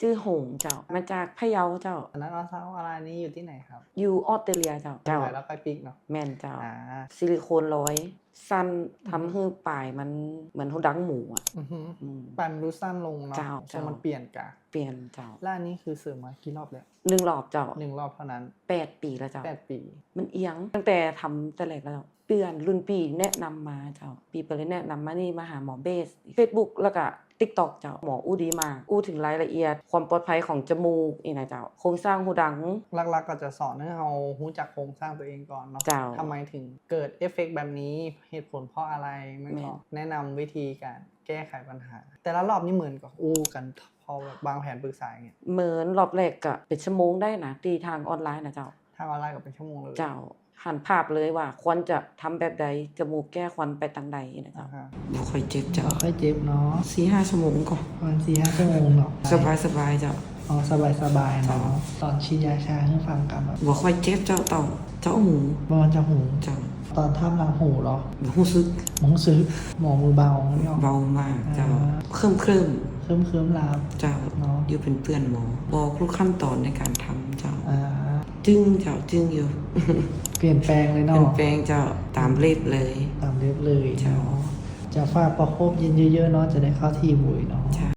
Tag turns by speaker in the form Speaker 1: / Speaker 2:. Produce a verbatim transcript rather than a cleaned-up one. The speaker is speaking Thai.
Speaker 1: ชื่อหงเจ้ามาจากพะเยาเจ้า
Speaker 2: อันนั้นอัลตราซาวด์อะไรนี้อยู่ที่ไหนครับ
Speaker 1: อยู่ออสเตรเลียเจ้าเจ้า
Speaker 2: แล้วไปปิกเนาะ
Speaker 1: แม่นเจ้า
Speaker 2: อ่า
Speaker 1: ซิลิโคนร้อยสั้นทำให้ปลายมันเหมือนหูดังหมูอ่ะ
Speaker 2: อือฮึ
Speaker 1: อืม
Speaker 2: ปลายมันดูสั้นลงเนาะ
Speaker 1: เจ้า
Speaker 2: ทร
Speaker 1: เจ้า
Speaker 2: งมันเปลี่ยนกะ
Speaker 1: เปลี่ยนเจ้า
Speaker 2: แล้วอันนี้คือเสริมมากี่รอบแล้ว
Speaker 1: หนึ่งรอบเจ้า
Speaker 2: หนึ่งรอบเท่านั้น
Speaker 1: แปดปีแล้วเจ้า
Speaker 2: แปดปี
Speaker 1: มันเอียงตั้งแต่ทำแต่แรกแล้วเจ้าเพื่อนรุ่นปีแนะนำมาเจ้าปีไปเลยแนะนำมานี่มาหาหมอเบส Facebook แล้วก็ TikTok เจ้าหมออู้ดีมากอู้ถึงรายละเอียดความปลอดภัยของจมูกอีกนะเจ้าโครงสร้างหูดัง
Speaker 2: หลักๆก็จะสอนให้เรารู้จักโครงสร้างตัวเองก่อนเนาะ
Speaker 1: เจ้า
Speaker 2: ทำไมถึงเกิดเอฟเฟกต์แบบนี้เหตุผลเพราะอะไรมัน
Speaker 1: แม่
Speaker 2: ก็
Speaker 1: น
Speaker 2: แนะนำวิธีการแก้ไขปัญหา แต่ละรอบนี่เหมือนกับอู้กันพอแบบวางแผนปรึกษาอย่างเงี้ย
Speaker 1: เหมือนรอบแรกก็เป็นชั่วโมงได้นะตีทางออนไลน์นะเจ้า
Speaker 2: ทางออนไลน์ก็เป็นชั่วโมงเลย
Speaker 1: เจ้าหันภาพเลยว่าควรจะทำแบบใดจมูกแก้ควันไปทางใดนะเจ้า
Speaker 2: อ่าฮะ
Speaker 1: บ่ค่อยเจ็บเจ้า
Speaker 2: ค่อยเจ็บเนาะ
Speaker 1: สี่ห้าชั่วโมงก็
Speaker 2: ประมาณสี่ห้าชั่วโมงเนาะ
Speaker 1: สบายสบายๆเจ้า
Speaker 2: อ๋อสบายสบายๆเนาะตอนฉีดยาชาให้ฟังกันแบบ
Speaker 1: บ่ค่อยเจ็บเจ้าเต่าเจ้าหู
Speaker 2: ประมาณจะหู
Speaker 1: เจ้า
Speaker 2: ตอนท่ามหลังหูเหรอ
Speaker 1: บ่รู้สึก
Speaker 2: หมองซื้อหมอมือเบาเนี่ย
Speaker 1: เบามากเจ้า
Speaker 2: อ่า
Speaker 1: เคลิ้มเคลิ้ม
Speaker 2: เคลิ้มเคลิ้มๆลาบ
Speaker 1: ๆเจ้า
Speaker 2: เนาะ
Speaker 1: อยู่เป็นเพื่อนหมอบอกทุกขั้นตอนในการทำเจ้า
Speaker 2: อ่า
Speaker 1: จึงเจ้าจึงอยู่
Speaker 2: เปลี่ยนแปลงเลย
Speaker 1: เป็
Speaker 2: เนาะ
Speaker 1: นแปลงเจ้าตามเล็บเลย
Speaker 2: ตามเรียบเลย
Speaker 1: เจ้า
Speaker 2: เนาะจะฝากประคบเย็นเยอะๆเนาะจะได้เข้าที่บุยเนาะ
Speaker 1: เจ้า